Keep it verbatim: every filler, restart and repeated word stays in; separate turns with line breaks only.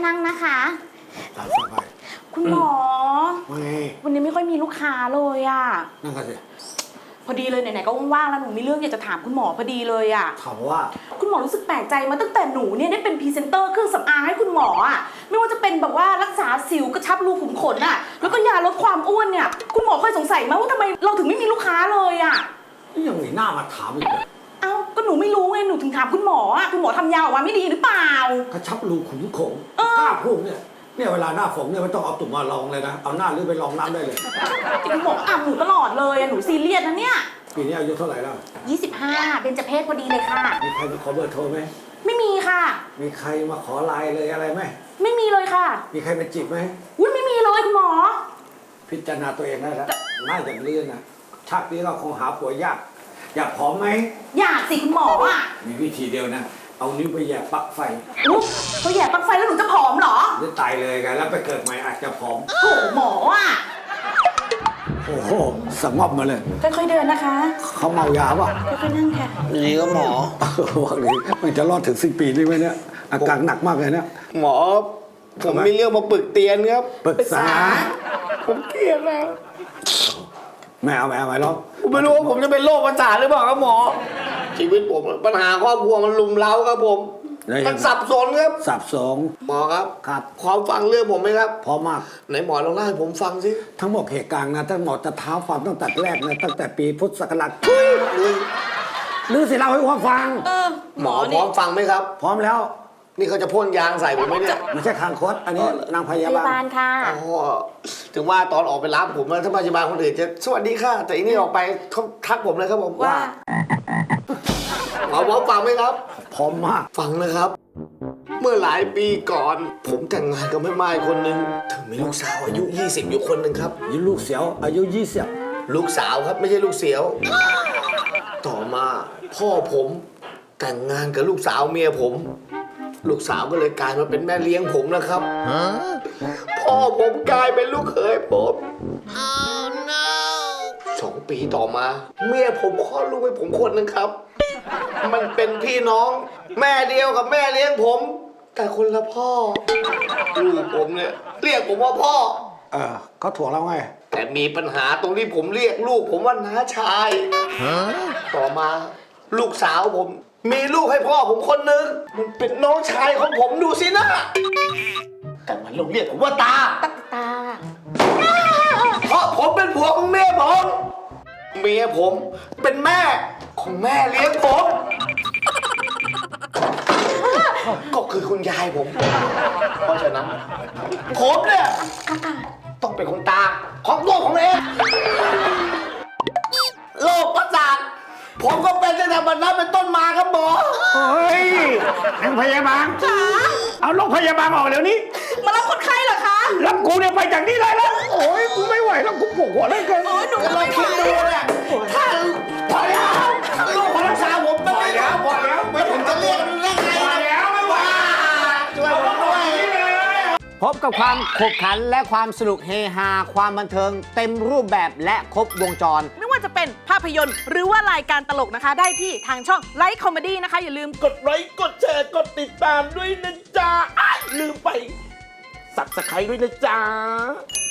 นั่งนะคะ
ตามสบาย
คุณหมอวันนี้ไม่ค่อยมีลูกค้าเลยอะ
นั่งกันสิ
พอดีเลยไหนๆก็ว่างๆแล้วหนูมีเรื่องอยากจะถามคุณหมอพอดีเลยอะ
ถามว่า
คุณหมอรู้สึกแปลกใจมาตั้งแต่หนูเนี่ยได้เป็นพรีเซนเตอร์เครื่องสำอางให้คุณหมออะไม่ว่าจะเป็นแบบว่ารักษาสิวกระชับรูขุมขนอะแล้วก็ยาลดความอ้วนเนี่ยคุณหมอเคยสงสัยไหมว่าทำไมเราถึงไม่มีลูกค้าเลยอะ
ยังมีหน้ามาถามอีกเลย
เอ้าก็หนูไม่รู้ไงหนูถึงถามคุณหมออะคุณหมอทำยาออกมาไม่ดีหรือเปล่าก
ระชับรูขุมขนกล้าพูดเนี่ยเนี่ยเวลาหน้าฝนเนี่ยไม่ต้องเอาตุ่มมาลองเลยนะเอาหน้าหรือไปลองน้ำได้เลย
คุณหมออ่ำหนูตลอดเลยหนูซีเรียสนะเนี่ย
ปีนี้อายุเท่าไหร่แล้ว
ยี่สิบห้าเบญจเพศพอดีเลยค่ะ
มีใครมาขอเบอร์โทรไหม
ไม่มีค่ะ
มีใครมาขอไลน์เลยอะไรไหม
ไม่มีเลยค่ะ
มีใครมาจีบไหม
อุ้ยไม่มีเลยคุณหมอ
พิจารณาตัวเองได้แล้วหน้าอย่างนี้นะชาตินี้เราคงหาผัวยากอยากผอมไหม
อยากสิคุณหมออ่ะ
มีวิธีเดียวนะเอานิ้วไปแย่ปลั๊กไฟ
อุ๊ยเขาแย่ปลั๊กไฟแล้วหนูจะผอมเหรอ
จะตายเลยกันแล้วไปเกิดใหม่อาจจะผอม
โอ้หมออ่ะ
โอ้โหสงบมาเลย
ค่อยๆเดินนะคะ
เขาเมายาป่ะ
ค่อยๆนั่งค่ะ
นี่ก็หมอ
ว่าเลยมันจะรอดถึงสิ้นปีนี้ไหมเนี่ยอาการหนักมากเลยเนี่ย
หมอผมมีเรื่องมาปรึกเตียนครับ
ปรึกษา
ผมเครียดแล้ว
ไม่เอาไม่เอาไม่หรอก
ผมไม่รู้ว่าผมจะเป็นโรคประสาทหรือเปล่าครับหมอชีวิตผมปัญหาครอบครัวมันลุมเร้าครับผมมันสับสนครับ
สับสน
หมอครับ
ครับ
พร้อมฟังเรื่องผมไหมครับ
พร้อมมาก
ไหนหมอลองเล่าให้ผมฟังสิ
ทั้งหมดเหตุการณ์นะทั้งหมดจะเท้าความตั้งแต่แรกนะตั้งแต่ปีพุทธศักราชหรือสิเล่าให้ผมฟัง
หมอพร้อมฟังไหมครับ
พร้อมแล้ว
นี่เขาจะพ่นยางใส่ผมไหมเนี่ย
ไม่ใช่คางคดอันนี้นางพยาบาล
ค่ะ
อ๋อถึงว่าตอนออกไปรับผมแล้วถ้าพยาบาลคนอื่นจะสวัสดีค่ะแต่อันนี้ออกไปเขาทักผมเลยครับผม
ว่า
หมอพร้อมฟังไหมครับ
พร้อมมาก
ฟังนะครับเมื่อหลายปีก่อนผมแต่งงานกับแม่ไม้คนหนึ่งถึงมีลูกสาวอายุยี่สิบอยู่คนหนึ่งครับ
ยี่ลูกเสียวอายุยี่สิบ
ลูกสาวครับไม่ใช่ลูกเสียวต่อมาพ่อผมแต่งงานกับลูกสาวเมียผมลูกสาวก็เลยกลายมาเป็นแม่เลี้ยงผมนะครับพ่อผมกลายเป็นลูกเขยผม oh, no. สองปีต่อมาเมียผมคลอดลูกให้ผมคนหนึ่งครับมันเป็นพี่น้องแม่เดียวกับแม่เลี้ยงผมแต่คนละพ่อลูกผมเนี่ยเรียกผมว่าพ่อ
เออเขาถ่วงเราไง
แต่มีปัญหาตรงที่ผมเรียกลูกผมว่าน้าชายต่อมาลูกสาวผมมีลูกให้พ่อผมคนนึงมันเป็นน้องชายของผมดูสินะแต่มันลงเรียกผมว่าตา
ตาตา
เพราะผมเป็นผัวของเมียผมเมียผมเป็นแม่ของแม่เลี้ยงผมก็คือคุณยายผมเพราะฉะนั้นผมเนี่ยต้องเป็นคนตาของตัวผมเองโรคประสาทผมก็เป็นตั้งแต่บัดนั้นเป็นต้นมาครับหมอ
เฮ้ยนางพยาบาล
ค่ะ
เอาโรงพยาบาลออกเดี๋ยวนี้
มารับคนไข้เหรอคะ
รับกูเนี่ยไปจากนี่เลยแล้วโอ้ยกูไม่ไหวแล้วกูปวดหัวเลยเกิน
โอ้ยหนูก็ไม่ไหว
เนี่ยถ้าพอแล้วโรครักษาผมไม่ได้แล้วพอแล้วไม่ผมจะเรียกมันได้ไง
พอแล้วไม่ไหว
ช่วยผมด้วย
พบกับความขบขันและความสนุกเฮฮาความบันเทิงเต็มรูปแบบและครบวงจร
ไม่ว่าจะเป็นภาพยนตร์หรือว่ารายการตลกนะคะได้ที่ทางช่องไลฟ์คอมเมดี้นะคะอย่าลืม
กดไลค์กดแชร์กดติดตามด้วยนะจ๊ะลืมไปสับสไครด้วยนะจ๊ะ